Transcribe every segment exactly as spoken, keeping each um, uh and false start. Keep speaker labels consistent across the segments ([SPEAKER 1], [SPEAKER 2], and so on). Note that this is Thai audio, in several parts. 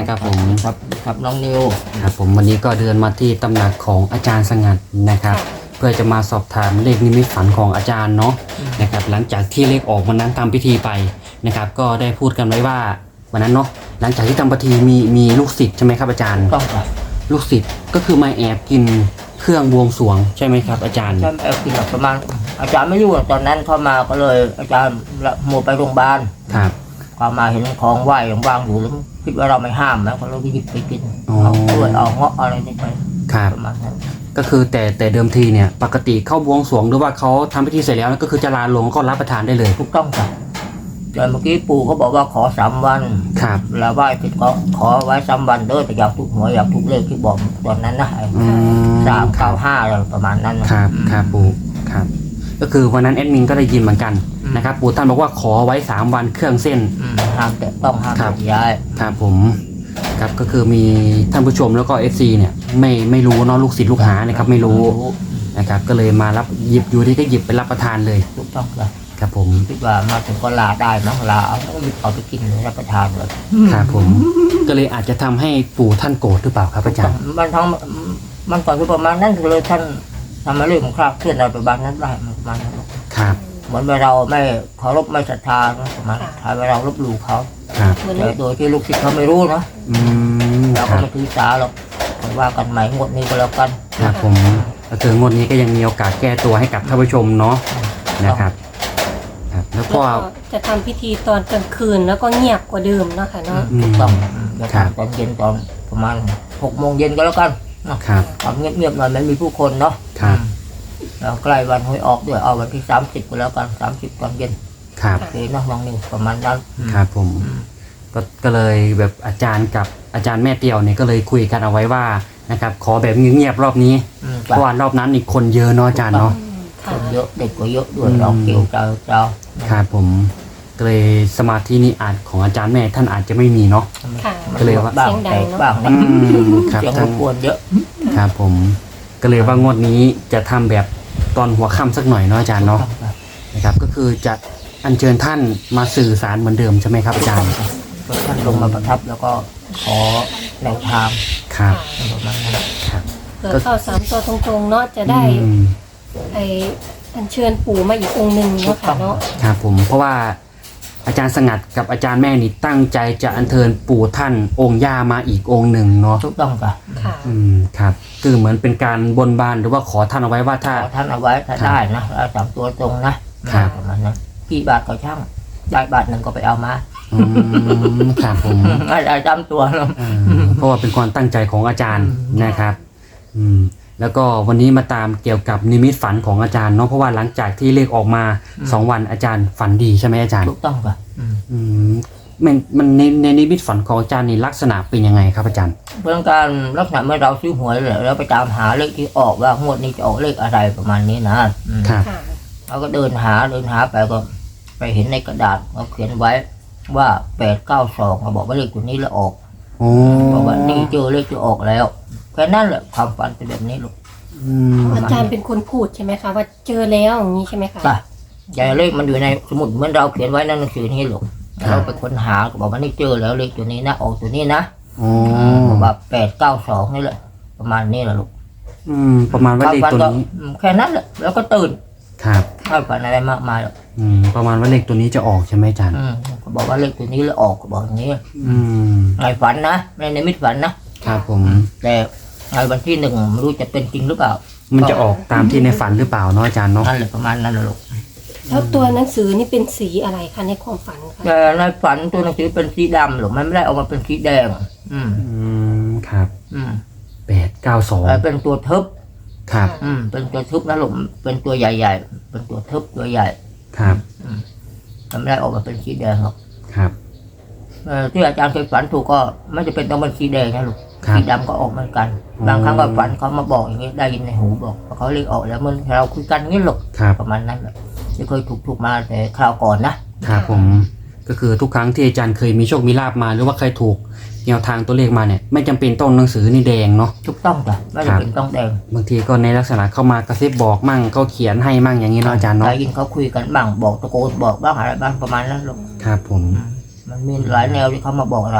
[SPEAKER 1] นะครับผม
[SPEAKER 2] ครับครับน้องนิว
[SPEAKER 1] ครับผมวันนี้ก็เดินมาที่ตำหนักของอาจารย์สงัดนะครับเพื่อจะมาสอบถามเลขนิมิตฝันของอาจารย์เนาะนะครับหลังจากที่เลขออกวันนั้นทำพิธีไปนะครับก็ได้พูดกันไว้ว่าวันนั้นเนาะหลังจากที่ทำพิธีมีมีลูกศิษย์ใช่ไหมครับอาจารย์
[SPEAKER 2] ต้องครับ
[SPEAKER 1] ลูกศิษย์ก็คือมาแอบกินเครื่องบวงสรวงใช่ไหมครับอาจารย์
[SPEAKER 2] ใช่แอบกินแบบประมาณอาจารย์ไม่อยู่ตอนนั้นเข้ามาก็เลยอาจารย์หมดไปโรงพยาบาล
[SPEAKER 1] ครับ
[SPEAKER 2] เข้ามาเห็นของไหว้วางอยู่แล้วคิดว่าเราไม่ห้ามแล้วก็เราหยิบไปกินเอากล้วยเอาเงาะอะไรนี่ไปประมาณนั้น
[SPEAKER 1] ก็คือแต่แต่เดิมทีเนี่ยปกติเข้าบวงสรวงหรือว่าเขาทำพิธีเสร็จแล้วก็คือจะลาลงก็รับประทานได้เลย
[SPEAKER 2] ถูกต้องครับแต่เมื่อกี้ปู่เขาบอกว่าขอสามวัน
[SPEAKER 1] ครับ
[SPEAKER 2] แล้วไหว้ติดก็ขอไว้สามวันเด้อแต่อยากถูกหวยอยากถูกเลขที่บอกตอนนั้นนะสามเก้าห้าอะไรประมาณนั้น
[SPEAKER 1] ครับครับปู่ครับก็คือวันนั้นแอดมินก็ได้ยินเหมือนกันนะครับปู่ท่านบอกว่าขอไว้สามวันเครื่องเส้น
[SPEAKER 2] ห้ามแต่ต้องห้ามย้าย
[SPEAKER 1] ครับผมครับก็คือมีท่านผู้ชมแล้วก็ เอฟ ซี เนี่ยไม่ไม่รู้เนาะลูกศิษย์ลูกหานะครับไม่รู้นะครับก็เลยมารับหยิบอยู่ที่ก็หยิบไปรับประทานเลย
[SPEAKER 2] ถูกต้องครับ
[SPEAKER 1] ครับผม
[SPEAKER 2] คิดว่ามาถึงก็ลาได้นะลาเอาเอาไปกินรับประทานเลย
[SPEAKER 1] ครับผมก็เลยอาจจะทำให้ปู่ท่านโกรธหรือเปล่าครับอาจารย์
[SPEAKER 2] มันทั้งมันก่อนคือประมาณนั้นเลยท่านทำมาเรื่องของคราบเคลื่อนอะไรประมาณนั้นได้ประมาณนั้น
[SPEAKER 1] ครับ
[SPEAKER 2] เหมือนเราไม่เคารพไม่ศรัทธาประมาณถ้าเราลบหลู่เขาแต่โดยที่ลูกศิษย์เขาไม่รู้นะเราก็ไม่ถือสาหรอกว่ากันใหม่งวดนี้ก็แล้วกัน
[SPEAKER 1] ครับผมก็คืองวดนี้ก็ยังมีโอกาสแก้ตัวให้กับท่านผู้ชมเนาะนะครับ
[SPEAKER 3] แล้วก็จะทำพิธีตอนกลางคืนแล้วก็เงียบกว่าเดิมเนาะค่ะเนาะ
[SPEAKER 2] ถูกต้องตอนเย็นตอนประมาณหกโมงเย็นก็แล้วกัน
[SPEAKER 1] ครับ
[SPEAKER 2] ทำเงียบๆหน่อยไม่มีผู้คนเนาะ
[SPEAKER 1] ครับ
[SPEAKER 2] แล้วใกล้วันหวยออกด้วยเอาวันที่สามสิบก็แล้วกันสามสิบตอนเย็น
[SPEAKER 1] ครับ
[SPEAKER 2] โอเคนะน้องนิวประมาณนั้น
[SPEAKER 1] ครับผมก็ก็เลยแบบอาจารย์กับอาจารย์แม่เตียวเนี่ยก็เลยคุยกันเอาไว้ว่านะครับขอแบบเงียบๆรอบนี้เพราะว่ารอบนั้นอีกคนเยอะเนาะอาจารย์เนาะ
[SPEAKER 2] คนเยอะเด็กก็เยอะด้วยเราเกี่ยวเจ้าเจ้า
[SPEAKER 1] ครับผมก็เลยสมาธินี่อาจของอาจารย์แม่ท่านอาจจะไม่มีเนาะก็เลยว่า
[SPEAKER 2] บ้างแต่บ้าง
[SPEAKER 1] ครับ
[SPEAKER 2] เสียงรบกวนเยอะ
[SPEAKER 1] ครับผมก็เลยว่างวดนี้จะทำแบบตอนหัวค่ำสักหน่อยเนาะอาจารย์เนาะนะครับก็คือจะอัญเชิญท่านมาสื่อสารเหมือนเดิมใช่ไหมครับอาจารย์
[SPEAKER 2] ท่านลงมาประทับแล้วก็ขอแนวทาง
[SPEAKER 1] ครับ
[SPEAKER 2] ประมาณนั้น
[SPEAKER 1] ครับ
[SPEAKER 3] เกิดเข้าสามตัวตรงๆเนาะจะได้ไออัญเชิญปู่มาอีกองค์หนึ่งเนาะค่ะเนาะ
[SPEAKER 1] ครับผมเพราะว่าอาจารย์สงัดกับอาจารย์แม่นี่ตั้งใจจะอัญเชิญปู่ท่านองค์ย่ามาอีกองค์หนึ่งเนาะ
[SPEAKER 2] ถูกต้องค่ะ
[SPEAKER 1] อืมครับคือเหมือนเป็นการบนบานหรือว่าขอท่านเอาไว้ว่าถ้า
[SPEAKER 2] ท่านเอาไว้ถ้าได้นะเอาสามตัวตรงนะครับประมาณนั้นกี่บาทก็ช่างได้บาทหนึ่งก็ไปเอามา
[SPEAKER 1] อืมครับผม
[SPEAKER 2] ได้จำตัวแล้ว
[SPEAKER 1] เพราะว่าเป็นความตั้งใจของอาจารย์นะครับอืมแล้วก็วันนี้มาตามเกี่ยวกับนิมิตฝันของอาจารย์เนาะเพราะว่าหลังจากที่เลขออกมาสองวันอาจารย์ฝันดีใช่ไหมอาจารย์
[SPEAKER 2] ถูกต้องค่ะ
[SPEAKER 1] อืมมันมันในในนิมิตฝันของอาจารย์นี่ลักษณะเป็นยังไงครับอาจารย์
[SPEAKER 2] เรื่องการลักษณะเมื่อเราซื้อหวยแล้วไปตามหาเลขที่ออกว่างวดนี้จะออกเลขอะไรประมาณนี้นะครับเราก็เดินหาเดินหาไปก็ไปเห็นในกระดาษเขาเขียนไว้ว่าแปดเก้าสองเขาบอกว่าเลขตัวนี้แล้วออกบอกว่านี่เจอเลขที่ออกแล้วแค่นั้นแหละความฝันเป็นแบบนี้ลูก
[SPEAKER 3] อาจารย์เป็นคนพูดใช่ไหมคะว่าเจอแล้วอย่างนี้ใช่ไหมคะ
[SPEAKER 2] ใช่ใหญ่เลขมันอยู่ในสมุดเหมือนเราเขียนไว้ในหนังสือนี้ลูกเราไปค้นหาก็บอกว่านี่เจอแล้วเลขตัวนี้นะออกตัวนี้นะบอกว่าแปดเก้าสองนี่แหละประมาณนี้แหละลูก
[SPEAKER 1] อืมประมาณว่าเลขตัวนี้
[SPEAKER 2] แค่นั้นแหละแล้วก็ตื่น
[SPEAKER 1] ครับ
[SPEAKER 2] ไม่ฝันอะไรมากมายหรอก
[SPEAKER 1] อืมประมาณว่าเลขตัวนี้จะออกใช่ไหมอาจารย์
[SPEAKER 2] ก็บอกว่าเลขตัวนี้แล้วออกก็บอกอย่างนี้
[SPEAKER 1] อืม
[SPEAKER 2] ในฝันนะในในมิตฝันนะครับ
[SPEAKER 1] ผม
[SPEAKER 2] แต่ในวันที่หนึ่งไม่รู้จะเป็นจริงหรือเปล่า
[SPEAKER 1] มันจะออกตามที่ในฝันหรือเปล่าเนาะอาจารย์เนาะ
[SPEAKER 2] นั่นแหละประมาณนั้นแหละลูก
[SPEAKER 3] แล้วตัวหนังสือนี่เป็นสีอะไรคะในความฝันคะ
[SPEAKER 2] แต่ในฝันตัวหนังสือเป็นสีดำหรอกมันไม่ได้ออกมาเป็นสีแดงอืม
[SPEAKER 1] อืมครับ
[SPEAKER 2] อืม
[SPEAKER 1] แปดเก้าสอง
[SPEAKER 2] เป็นตัวทึบ
[SPEAKER 1] ครับ
[SPEAKER 2] อืมเป็นตัวทึบนะลูกเป็นตัวใหญ่ๆเป็นตัวทึบตัวใหญ่
[SPEAKER 1] ครับ
[SPEAKER 2] อืมมันไม่ได้ออกมาเป็นสีแดงหรอก
[SPEAKER 1] ครับ
[SPEAKER 2] เออที่อาจารย์เคยฝันถูกก็ไม่จะเป็นต้องเป็นสีแดงนะลูกสีดำก็ออกเหมือนกันบางครั้งก็ฝันเขามาบอกอย่างนี้ได้ยินในหูบอกเขาเรียกออกแล้วมันเราคุยกันงี้หรอกประมาณนั้นแหละที่เคยถูกถูกมาแต่คราวก่อน
[SPEAKER 1] นะครับผมก็คือทุกครั้งที่อาจารย์เคยมีโชคมีลาภมาหรือว่าเคยถูกแนวทางตัวเลขมาเนี่ยไม่จำเป็นต้องหนังสือนี่แดงเนาะ
[SPEAKER 2] ถูกต้องจ้ะไม่จำเป็นต้องแดง
[SPEAKER 1] บางทีก็ในลักษณะเข้ามากระซิบบอกมั่งเขาเขียนให้มั่งอย่างนี้เนาะอาจารย์เนาะ
[SPEAKER 2] ได้ยินเขาคุยกันบ้างบอกตะโกนบอกบ้างอะไรบ้างประมาณนั้นหรอก
[SPEAKER 1] ครับผม
[SPEAKER 2] มันมีหลายแนวที่เขามาบอกเรา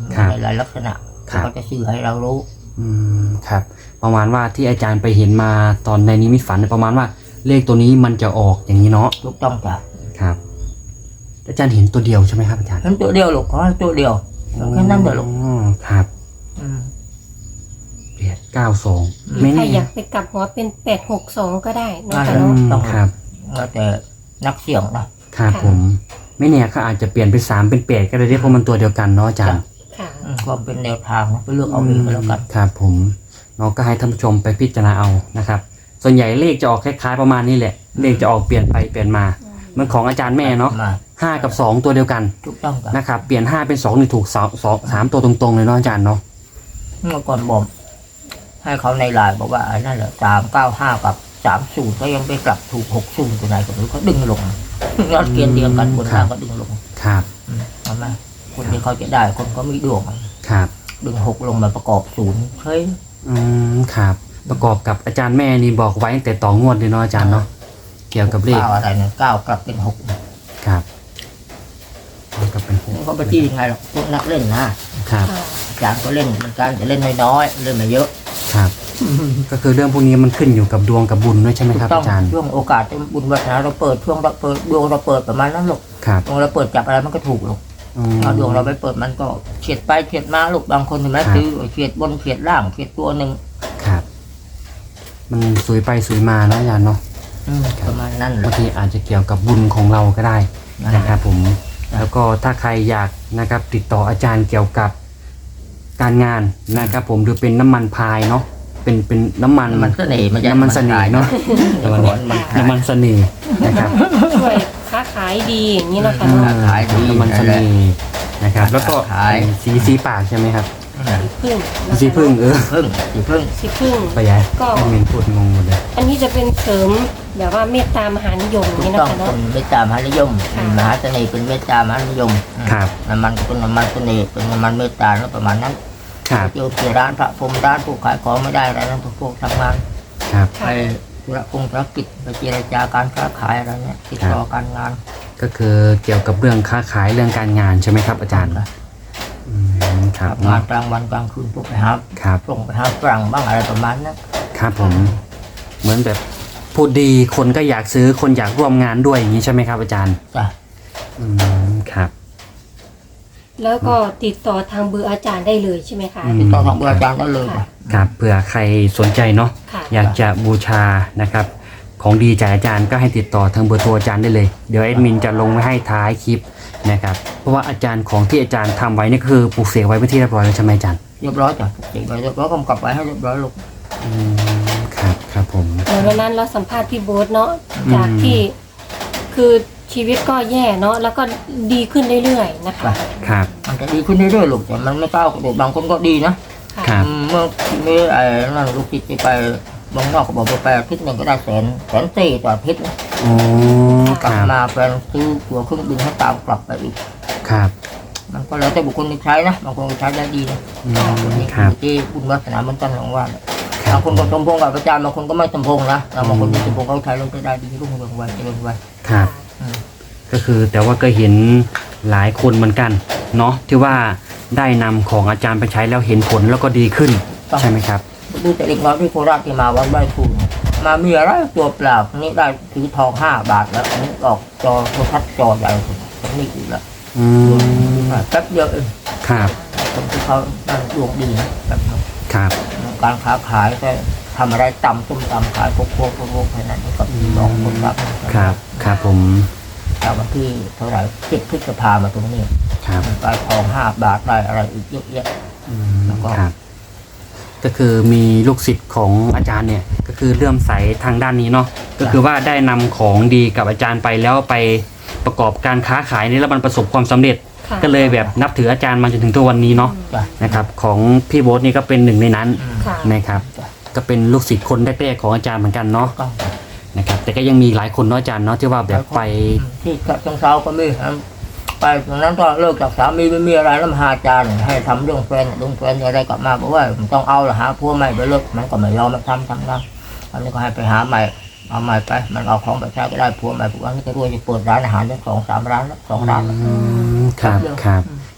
[SPEAKER 1] ครับ
[SPEAKER 2] ในหลายลักษณะ
[SPEAKER 1] ครับ
[SPEAKER 2] เขาจะสื่อให้เรารู้
[SPEAKER 1] อืมครับ ประมาณว่าที่อาจารย์ไปเห็นมาตอนในนิมิตฝันเนี่ยประมาณว่าเลขตัวนี้มันจะออกอย่างนี้เนาะ
[SPEAKER 2] ถูกต้องจ้ะ
[SPEAKER 1] ครับ อาจารย์เห็นตัวเดียวใช่ไหมครับอาจารย์
[SPEAKER 2] เห็นตัวเดียวลูกขอให้ตัวเดียวแค่นั้นเดียวลูก
[SPEAKER 1] อ๋อครับ
[SPEAKER 2] อืม
[SPEAKER 1] แปดเก้าสอง
[SPEAKER 2] อืม
[SPEAKER 1] ไม่
[SPEAKER 3] ใคร
[SPEAKER 1] แน่
[SPEAKER 3] อยากไปกลับหัวเป็นแปดหกสองก็ได้เนาะ
[SPEAKER 2] ได้
[SPEAKER 3] ค่ะ
[SPEAKER 1] อื
[SPEAKER 3] เนาะ
[SPEAKER 1] มครับ
[SPEAKER 2] แล้วแต่นักเสี่ยงนะครับ
[SPEAKER 1] ผม ไม่แน่เขาอาจจะเปลี่ยนเป็นสามเป็นแปดก็ได้เพราะมันตัวเดียวกันเนาะอาจารย์
[SPEAKER 3] ค่ะ
[SPEAKER 2] อืมความเป็นแนวทางนะไปเลือกเอาเองก็แล้วกัน
[SPEAKER 1] ครับผมเนาะก็ให้ท่านผู้ชมไปพิจารณาเอานะครับ ส่วนใหญ่เลขจะออกคล้ายๆประมาณนี้แหละ เลขจะออกเปลี่ยนไปเปลี่ยนมาเหมันของอาจารย์แม่เนาะ
[SPEAKER 2] มา
[SPEAKER 1] ห้ากับสองตัวเดียวกัน
[SPEAKER 2] ถูกต้องจ้ะ
[SPEAKER 1] นะครับเปลี่ยนห้าเป็นสองนี่ถูกสองสองสามตัวตรงๆเลยเนาะอาจารย์เนาะ
[SPEAKER 2] เมื่อก่อนบอกให้เขาในไลน์บอกว่าไอ้นั่นแหละสามเก้าห้ากับสามศูนย์ก็ยังไปกลับถูกหกศูนย์ตัวไหนก็ไม่รู้เขาดึงลงยอดเกียนเดียวกันบนล่างก็ดึงลง
[SPEAKER 1] ครับ
[SPEAKER 2] อืมเอาไหมคนที่เขาจะได้คนก็มีดวง
[SPEAKER 1] ครับ
[SPEAKER 2] ดึงหกลงมาประกอบศูนย์เฮ้ย
[SPEAKER 1] อืมครับ ประกอบกับอาจารย์แม่นี่บอกไว้ตั้งแต่ต่องวดเลยเนาะอาจารย์เนาะเกี่ยวกับเลข
[SPEAKER 2] เก้าอะไรเนี่ยเก้ากลับเป็นหก
[SPEAKER 1] ครับเอากลับเป็นหก
[SPEAKER 2] เขาไปจี้ยังไงหรอกพวกนักเล่นนะครับ
[SPEAKER 3] ค่ะ
[SPEAKER 2] อาจารย์ก็เล่นเหมือนกันจะเล่นน้อยๆเล่นไม่เยอะ
[SPEAKER 1] ครับ ก็คือเรื่องพวกนี้มันขึ้นอยู่กับดวงกับบุญด้วยใช่ไหม
[SPEAKER 2] ถู
[SPEAKER 1] ครับ
[SPEAKER 2] กต้อง
[SPEAKER 1] อาจารย์
[SPEAKER 2] ช่วงโอกาสที่บุญวัฒนาเราเปิดช่วงเราเปิดดวงเราเปิดประมาณนั้นหรอก
[SPEAKER 1] ครับ
[SPEAKER 2] ดวงเราเปิดจับอะไรมันก็ถูกหรอก
[SPEAKER 1] อืม
[SPEAKER 2] เอาดวงเราไปเปิดมันก็เฉียดไปเฉียดมาลูกบางคนเห็นไหม
[SPEAKER 1] ครับ
[SPEAKER 2] ซื้อเฉียดบนเฉียดล่างเฉียดตัวหนึ่ง
[SPEAKER 1] ครับ มันสวยไปสวยมาเนาะอาจารย์เนาะ
[SPEAKER 2] อืมประมาณนั้นแห
[SPEAKER 1] บา
[SPEAKER 2] ละ
[SPEAKER 1] งทีอาจจะเกี่ยวกับบุญของเราก็ได้นะครับผม แล้วก็ถ้าใครอยากนะครับ ติดต่ออาจารย์เกี่ยวกับการงานนะครับ ผมหรือเป็นน้ำมันพายเนาะเป็นเป็นน้ำมัน
[SPEAKER 2] มันเสน่ห์มันจะ
[SPEAKER 1] น้ำมันเสน่ห์เนาะ
[SPEAKER 2] น้ำมันมัน
[SPEAKER 1] น้ำมันเสน่ห์นะครับ
[SPEAKER 3] ช่วยค้าขายดีอย่างนี้เนาะค่ะ
[SPEAKER 1] อ่า
[SPEAKER 3] เนาะ
[SPEAKER 2] ขายดี
[SPEAKER 1] น้ำมันเสน่ห์นะครับ แล้วก็
[SPEAKER 2] ขาย
[SPEAKER 1] สีสีปากใช่ไหมครับ
[SPEAKER 3] พึ่งนะคะ
[SPEAKER 1] สีพึ่งเออ
[SPEAKER 2] พึ่งสีพึ่ง
[SPEAKER 3] สีพึ่ง
[SPEAKER 1] ไปยัย
[SPEAKER 3] ก็
[SPEAKER 1] แอดมินพูดงงหมดเลย
[SPEAKER 3] อันนี้จะเป็นเสริมแบบว่าเมตตามหานิยมอย่าง
[SPEAKER 2] ถู
[SPEAKER 3] นี้
[SPEAKER 2] ก
[SPEAKER 3] นะ
[SPEAKER 2] ต้อง
[SPEAKER 3] คะ
[SPEAKER 2] ค
[SPEAKER 3] เนาะ
[SPEAKER 2] นเมตตามหานิยม
[SPEAKER 3] ค่ะ
[SPEAKER 2] มหาเสน่ห์เป็นเมตตามหานิยม
[SPEAKER 1] ครับ
[SPEAKER 2] น้ำมันก็เป็นน้ำมันเสน่ห์เป็นน้ำมันเมตตาแล้วประมาณนั้น
[SPEAKER 1] ครับ
[SPEAKER 2] เจอที่ร้านพระพรหมร้านผู้ขายของไม่ได้อะไรนั้นพวกทำงาน
[SPEAKER 1] ครับ
[SPEAKER 2] ไปธุระกงธุรกิจไปเจรจาการค้าขายอะไรเนี่ยติดต่อการงาน
[SPEAKER 1] ก็คือเกี่ยวกับเรื่องค้าขายเรื่องการงานใช่ไหมครับอาจารย์อืมครับ
[SPEAKER 2] ทำงานกลางวันกลางคืนพวกไปหา
[SPEAKER 1] ครับ
[SPEAKER 2] ส่งไปหาฝรั่งบ้างอะไรประมาณนั้น
[SPEAKER 1] ครับผม เหมือนแบบพูดดีคนก็อยากซื้อคนอยากร่วมงานด้วยอย่างนี้ใช่ไหมครับอาจารย์
[SPEAKER 2] จ้ะ
[SPEAKER 1] อืมครับ
[SPEAKER 3] แล้วก็ติดต่อทางเบอร์อาจารย์ได้เลยใช่ไหมคะ
[SPEAKER 1] อืม
[SPEAKER 2] ติดต่อทางเบอร์อาจารย์ได้เลยจ้ะ
[SPEAKER 1] ครับเผื่อใครสนใจเนาะ
[SPEAKER 3] ค่ะ
[SPEAKER 1] อยากจะบูชานะครับ ของดีจากอาจารย์ก็ให้ติดต่อทางเบอร์โทรอาจารย์ได้เลยเดี๋ยวแอดมินจะลงไว้ให้ท้ายคลิปนะครับเพราะว่าอาจารย์ของที่อาจารย์ทำไว้นี่คือปลูกเสกไว้เป็นที่เรียบร้อยแล้วใช่ไหมอาจารย์
[SPEAKER 2] เรียบร้อยจ้ะติดไปเรียบร้อยกำกับไว้ให้เรียบร้อยลูก
[SPEAKER 1] อืมครับครับผม
[SPEAKER 3] เดี๋ยววันนั้นเราสัมภาษณ์พี่โบ๊ทเนาะจากที่คือชีวิตก็แย่เนาะแล้วก็ดีขึ้นเรื่อยๆนะคะ
[SPEAKER 1] ครับ
[SPEAKER 2] มันจะดีขึ้นเรื่อยๆลูกแต่มันไม่ก้าวกระโดดบางคนก็ดีนะ
[SPEAKER 3] ค่ะ
[SPEAKER 1] ครับ
[SPEAKER 2] อืมเมื่อเมื่อไอ้นั่นลูกจิตจะไปเมืองนอกก็บอกว่าไปอาทิตย์หนึ่งก็ได้แสนแสนสี่ต่ออาทิตย์นะ
[SPEAKER 1] โอ้ค
[SPEAKER 2] กลับ
[SPEAKER 1] รับ
[SPEAKER 2] มาแฟนซื้อตัวเครื่องบินให้ตามกลับไปอีก
[SPEAKER 1] ครับ
[SPEAKER 2] มันก็แล้วแต่บุคคลที่ใช้นะบางคนก็ใช้ได้ดีนะ
[SPEAKER 1] อื
[SPEAKER 2] บางคน
[SPEAKER 1] ม
[SPEAKER 2] นี่
[SPEAKER 1] ครับ
[SPEAKER 2] ที่บุญวาสนาเหมือนกันหลวงว่าเนี่ย
[SPEAKER 1] ครับ
[SPEAKER 2] างคนก็สมพงษ์กับอาจารย์บางคนก็ไม่สมพงษ์นะแล้วบางคนที่สมพงษ์เขาใช้แล้วก็ได้ดีรุ่งเรืองไวเจริญไว
[SPEAKER 1] ครับ
[SPEAKER 2] อืม
[SPEAKER 1] ก็คือแต่ว่าก็เห็นหลายคนเหมือนกันเนาะที่ว่าได้นำของอาจารย์ไปใช้แล้วเห็นผลแล้วก็ดีขึ้นใช่ไหมครับ
[SPEAKER 2] ดูแต่เด็กน้อยที่โคราชที่มาวัดใบคูนมามีอะไรตัวเปล่าอันนี้ได้ถือทองห้าบาทแล้วอันนี้ออกจอโทรทัศน์จอใหญ่สุดอันนี้อีกแล้ว
[SPEAKER 1] อืม
[SPEAKER 2] แป๊บเดียวเอง
[SPEAKER 1] ครับ
[SPEAKER 2] คนที่เขานั่นดวงดีนะแบบนั้น
[SPEAKER 1] ครับ
[SPEAKER 2] การค้าขายก็ทำอะไรต่ำต้มตำขายพวกพวกพวกพวกแค่นั้นก็สองคนครับ
[SPEAKER 1] ครับครับผม
[SPEAKER 2] แต่วันที่เท่าไหร่เจ็ดพฤษภามาตรงนี้
[SPEAKER 1] ครับ
[SPEAKER 2] ได้ทองห้าบาทได้อะไรอีกเยอะแยะ
[SPEAKER 1] อืม
[SPEAKER 2] แล้วก็
[SPEAKER 1] ครับ ก็คือมีลูกศิษย์ของอาจารย์เนี่ย ก็คือเลื่อมใสทางด้านนี้เนาะก็คือว่าได้นำของดีกับอาจารย์ไปแล้วไปประกอบการค้าขายนี่แล้วมันประสบความสำเร็จ
[SPEAKER 3] ค่ะ
[SPEAKER 1] ก็เลยแบบนับถืออาจารย์มาจนถึงตัววันนี้เนาะ
[SPEAKER 2] จ้ะ
[SPEAKER 1] นะครับ ของพี่โบ๊ทนี่ก็เป็นหนึ่งในนั้น
[SPEAKER 2] อืม
[SPEAKER 3] ค่ะ
[SPEAKER 1] นะครับ ก็เป็นลูกศิษย์คนแรกๆของอาจารย์เหมือนกันเนาะ
[SPEAKER 2] ก็
[SPEAKER 1] นะครับแต่ก็ยังมีหลายคนเนาะอาจารย์เนาะที่ว่าแบบไป
[SPEAKER 2] ที่ฉะเชิงเซาก็มีครับไปตรงนั้นก็เลิกจากสามีไม่มีอะไรแล้วมาหาอาจารย์ให้ทำเรื่องแฟนเรื่องแฟนอะไรกลับมาบอกว่ามันต้องเอาละหาผัวใหม่ไปเลิกมันก็ไม่ยอมมาทำทำนะอันนี้ก็ให้ไปหาใหม่เอาใหม่ไปมันเอาของไปใช้ก็ได้ผัวใหม่ผัวนี้ก็รวยจะเปิดร้านอาหารได้สองสามร้านแล้วสองร้านแล้ว
[SPEAKER 1] อืมครับครับ แต่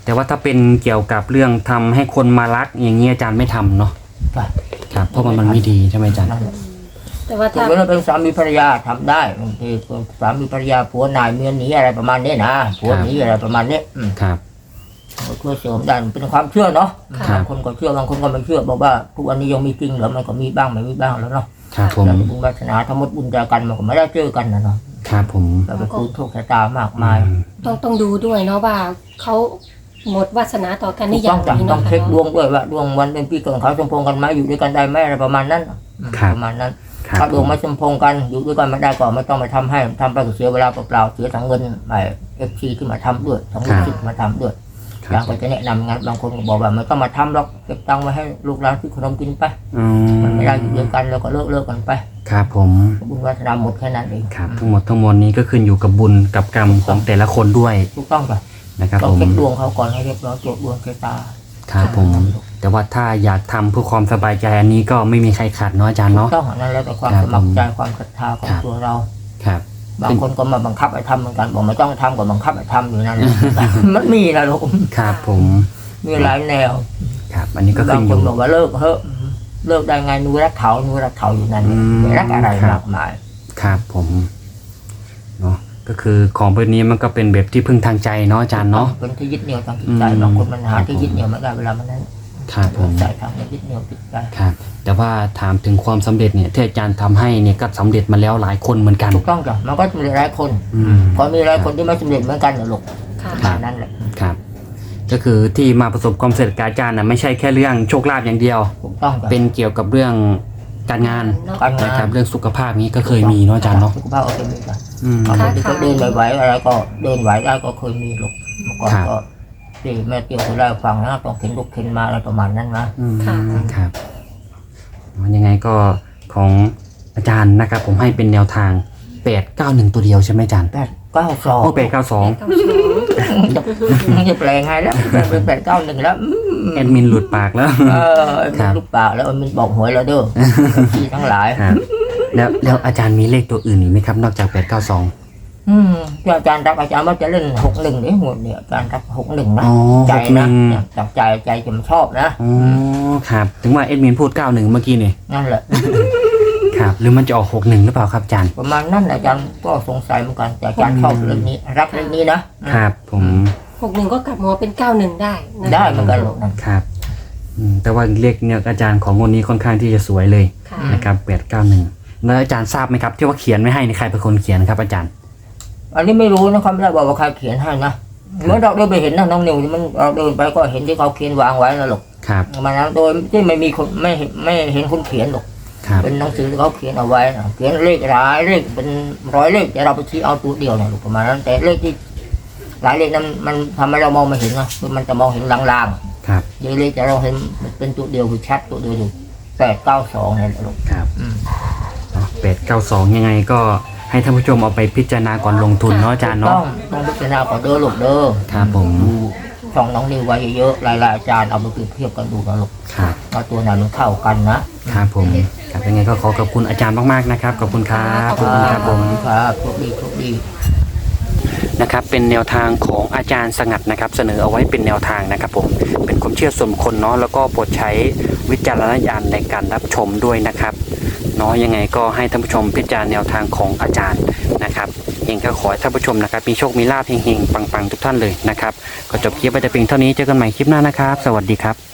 [SPEAKER 1] แต่ว่าถ้าเป็นเกี่ยวกับเรื่องทำให้คนมารักอย่างเงี้ยอาจารย์ไม่ทำเนาะ
[SPEAKER 2] ใช่
[SPEAKER 1] ครับเพราะมันมันไม่ดีใช่ไหมอาจารย์
[SPEAKER 2] นั่นแหละ
[SPEAKER 3] แต่ว่า
[SPEAKER 2] ถ้า
[SPEAKER 3] ถ้า
[SPEAKER 2] เวลาเป็นสามีภรรยาทำได้บางทีสามีภรรยาผัวนายเมียหนีอะไรประมาณนี้นะผัวหนีอะไรประมาณนี้อืม
[SPEAKER 1] ครับ
[SPEAKER 2] ก็ช่วยเสริมได้มันเป็นความเชื่อเนาะ
[SPEAKER 1] ครับ
[SPEAKER 2] บางคนก็เชื่อบางคนก็ไม่เชื่อบอกว่าทุกวันนี้ยังมีจริงเหรอมันก็มีบ้างไม่มีบ้างแล้วเนาะ
[SPEAKER 1] ครับผม
[SPEAKER 2] แต่บุญวาสนาทั้งหมดบุญจากกันมันก็ไม่ได้เจอกันนะเนาะ
[SPEAKER 1] ครับผม
[SPEAKER 2] เราไปคูณโชคชะตามากมาย
[SPEAKER 1] อืม
[SPEAKER 3] ต้องต้องดูด้วยเนาะว่าเขาหมดวาสนาต่อกัน
[SPEAKER 2] ต้
[SPEAKER 3] นี่อ
[SPEAKER 2] อย่าง จัง
[SPEAKER 3] นี้
[SPEAKER 2] ต้อ
[SPEAKER 3] เนาะ
[SPEAKER 2] งเช็คดวงด้วยว่าดวงวันเป็นปีเกิดของเขาสมพงษ์กันไหมอยู่ด้วยกันได้ไหมอะไรประมาณนั้นอืมประมาณนั้น
[SPEAKER 1] ครับ
[SPEAKER 2] ถ้าด
[SPEAKER 1] ผ
[SPEAKER 2] วง
[SPEAKER 1] ม
[SPEAKER 2] ไม่สมพงษ์กันอยู่ด้วยกันไม่ได้ก็ไม่ต้องมาทำให้ทำไปก็เสียเวลาเปล่าๆเสียทั้งเงินไอ้เอฟซีที่มาทำด้วยทั้งลูกศิษย์มาทำด้วย
[SPEAKER 1] ค
[SPEAKER 2] อ
[SPEAKER 1] รั
[SPEAKER 2] ย่า
[SPEAKER 1] บ
[SPEAKER 2] งก็จะแนะนำงานบางคนก็บอกว่าไม่ต้องมาทำหรอกเก็บตังค์ไว้ให้ลูกหลานที่ขนมกินไป
[SPEAKER 1] อื
[SPEAKER 2] มันไม่ได้อยู่
[SPEAKER 1] ม
[SPEAKER 2] ด้วยกันแล้วก็เลิกเลิกกันไป
[SPEAKER 1] ครับผม
[SPEAKER 2] บุญวาสนาหมดแค่นั้นเอง
[SPEAKER 1] ครับทั้งหมดทั้งมวลนี้ก็ขึ้นอยู่กับบุญกับกรรมของแต่ละคนด้วย
[SPEAKER 2] ถูกต้องป่ะ
[SPEAKER 1] นะครับ
[SPEAKER 2] เรา
[SPEAKER 1] ผม
[SPEAKER 2] เช็คดวงเขาก่อนให้เรียบร้อยตรวจดวงชะตา
[SPEAKER 1] ครับผม แต่ว่าถ้าอยากทำเพื่อความสบายใจอันนี้ก็ไม่มีใครขัดเนาะอาจารย์
[SPEAKER 2] ถู
[SPEAKER 1] เนาะ
[SPEAKER 2] กต้องอันนั้นแล้วแต่ความ
[SPEAKER 1] ครับ
[SPEAKER 2] สมัครใจ
[SPEAKER 1] ผม
[SPEAKER 2] ความศรัทธาของ
[SPEAKER 1] ครับ
[SPEAKER 2] ตัวเรา
[SPEAKER 1] ครับ
[SPEAKER 2] บางคนก็มาบังคับให้ทำเหมือนกันบอกไม่ต้องทำก็บังคับให้ทำอยู่นั่นแหละ มันมีนะลูก
[SPEAKER 1] ครับผม
[SPEAKER 2] มีหลายแนว
[SPEAKER 1] ครับ อันนี้ก็
[SPEAKER 2] บา
[SPEAKER 1] ขึ้
[SPEAKER 2] ง
[SPEAKER 1] นอ
[SPEAKER 2] คน
[SPEAKER 1] ยู่
[SPEAKER 2] บอกว่าเลิกเถอะเลิกได้ไงหนูรักเขาหนูรักเขาอยู่นั่น
[SPEAKER 1] อืม
[SPEAKER 2] ไม่รักอะไร
[SPEAKER 1] ครับ
[SPEAKER 2] มากมาย
[SPEAKER 1] ครับผมเนาะก็คือของพวกนี้มันก็เป็นแบบที่พึ่งทางใจเนาะอาจารย์เนาะ
[SPEAKER 2] เป็นที่ยึดเหนี่ยวทางจิตใจ
[SPEAKER 1] อืม
[SPEAKER 2] บางคนมันหาที่ยึดเหนี่ยวไม่ได้เวลามันนั้น
[SPEAKER 1] ครับผม
[SPEAKER 2] ใจทางยึดเหนี่ยวจิตใจ
[SPEAKER 1] ครับ แต่ว่าถามถึงความสำเร็จเนี่ยที่อาจารย์ทำให้เนี่ยก็สำเร็จมาแล้วหลายคนเหมือนกัน
[SPEAKER 2] ถูกต้องจ้ะมันก็มีหลายคน
[SPEAKER 1] อืม
[SPEAKER 2] พอมีหลายคนที่ไม่สำเร็จเหมือนกันนะลูก
[SPEAKER 3] ค่ะ
[SPEAKER 1] ครับ
[SPEAKER 2] นั่นแหละ
[SPEAKER 1] ครับ ก็คือที่มาประสบความสำเร็จกับอาจารย์นะไม่ใช่แค่เรื่องโชคลาภอย่างเดียว
[SPEAKER 2] ถูกต้องจ้ะ
[SPEAKER 1] เป็นเกี่ยวกับเรื่องการงาน
[SPEAKER 3] เนาะ
[SPEAKER 2] การงา
[SPEAKER 1] นะครับ
[SPEAKER 2] น
[SPEAKER 1] เรื่องสุขภาพนี้ก็เคยมีเนาะอาจารย์เนาะ
[SPEAKER 2] สุขภาพโอเคมีจ้ะ
[SPEAKER 1] อืม
[SPEAKER 2] บางคนที่เขาเดินไม่ไหวอะไรก็เดินไหวได้ก็เคยมีลูกเมื่อก่อน
[SPEAKER 1] ครับ
[SPEAKER 2] ก็ที่แม่เตี้ยวเคยเล่าให้ฟังนะต้องเข็นลูกเข็นมาอะไรประมาณนั้นนะ
[SPEAKER 1] อืม
[SPEAKER 3] ค่ะ
[SPEAKER 1] ครับมันยังไงก็ของอาจารย์นะครับ ผมให้เป็นแนวทางแปดเก้าหนึ่งตัวเดียวใช่ไหมอาจารย์
[SPEAKER 2] แปดเก้าสอง
[SPEAKER 1] โอ้แปดเก้าสอง
[SPEAKER 3] เก้าสอง
[SPEAKER 2] จะแปลงไงแล้วเป็นแปดเก้าหนึ่งแล้วอืม
[SPEAKER 1] แอดมินหลุดปากแล้ว
[SPEAKER 2] เออ
[SPEAKER 1] ครั
[SPEAKER 2] มัน
[SPEAKER 1] บ
[SPEAKER 2] ลูกปากแล้วมันบอกหวยแล้วเด้อที่ทั้งหลาย
[SPEAKER 1] ครับแล้วแล้วอาจารย์มีเลขตัวอื่นอีกไหมครับ นอกจากแปดเก้าสอง
[SPEAKER 2] อืมที่อาจารย์รักอาจารย์ว่าจะเล่นหกหนึ่งเนี่ยหมดเนี่ยอาจารย์รักหกหนึ่งนะ
[SPEAKER 1] อ๋อ
[SPEAKER 2] ใจ
[SPEAKER 1] หกห
[SPEAKER 2] นะ
[SPEAKER 1] นึ่ง
[SPEAKER 2] เนี่ยจากใจใจจะมันชอบนะ
[SPEAKER 1] อ๋อครับ ถึงว่าเอ็ดมินพูดเก้าหนึ่งเมื่อกี้นี่
[SPEAKER 2] นั่นแหละ
[SPEAKER 1] ครับ หรือมันจะออกหกหนึ่งหรือเปล่าครับอาจารย์
[SPEAKER 2] ประมาณนั้นอาจารย์ก็สงสัยเหมือนกันแต่อาจารย์ชอบเรื่องนี้ รักเรื่องนี้นะครับ
[SPEAKER 1] ผม
[SPEAKER 3] หกหนึ่งก็กลับหัวเป็นเก้าหนึ่งได้นะ
[SPEAKER 2] ได้เหมือนกันลูกนั่น
[SPEAKER 1] ครับอืมแต่ว่าเลขเนี่ยอาจารย์ของงวดนี้ค่อนข้างที่จะสวยเลย
[SPEAKER 3] ค่ะ
[SPEAKER 1] นะครับแปดเก้าหนึ่งแล้วอาจารย์ทราบไหมครับที่ว่าเขียนไม่ให้นี่ใครเป็นคนเขียนครับอาจารย์
[SPEAKER 2] อันนี้ไม่รู้นะครับไม่ได้บอกว่าใครเขียนให้นะเมื่อเราเดินไปเห็นนะน้องนิวที่มันเราเดินไปก็เห็นที่เขาเขียนวางไว้นะลูก
[SPEAKER 1] ครับ
[SPEAKER 2] มันนะโดยที่ไม่มีคนไม่เห็นไม่เห็นคนเขียนหรอก
[SPEAKER 1] ครับ
[SPEAKER 2] เป็นหนังสือที่เขาเขียนเอาไว้นะเขียนเลขหลายเลขเป็นร้อยเลขแต่เราไปชี้เอาตัวเดียวนะลูกประมาณนั้นแต่เลขที่หลายเลขนั้นมันทำให้เรามองไม่เห็นนะคือมันจะมองเห็นลาง
[SPEAKER 1] ครับ
[SPEAKER 2] ๆเยอะเลขแต่เราเห็นมันเป็นตัวเดียวคือชัดตัวเดียวอยู่แปดเก้าสองเนี่ยลูก
[SPEAKER 1] ครับ
[SPEAKER 2] อืม
[SPEAKER 1] แปดเก้าสองยังไงก็ให้ท่านผู้ชมเอาไปพิจารณาก่อนลงทุนเนาะอาจารย์
[SPEAKER 2] ต้อ
[SPEAKER 1] เนาะ
[SPEAKER 2] งต้องพิจารณาก่อนเด้อลูกเด้อ
[SPEAKER 1] ครับผม
[SPEAKER 2] ดูช่องน้องนิวไว้เยอะๆหลายๆอาจารย์เอาไปเปรียบเทียบกันดูนะลูก
[SPEAKER 1] ครับ
[SPEAKER 2] ว่าตัวไหนมันเข้ากันนะครับ
[SPEAKER 1] ผมครับยังไงก็ขอขอบคุณอาจารย์มากๆนะครับขอบคุณครับขอบคุณครับผม
[SPEAKER 2] ครับโชคดีโชคดี
[SPEAKER 1] นะครับเป็นแนวทางของอาจารย์สงัดนะครับเสนอเอาไว้เป็นแนวทางนะครับผมเป็นความเชื่อส่วนบุคคลเนาะแล้วก็โปรดใช้วิจารณญาณในการรับชมด้วยนะครับเนาะยังไงก็ให้ท่านผู้ชมพิจารณาแนวทางของอาจารย์นะครับเองก็ขอให้ท่านผู้ชมนะครับมีโชคมีลาภเฮงๆปังๆทุกท่านเลยนะครับก็จบคลิปไปแต่เพียงเท่านี้เจอกันใหม่คลิปหน้านะครับ สวัสดีครับ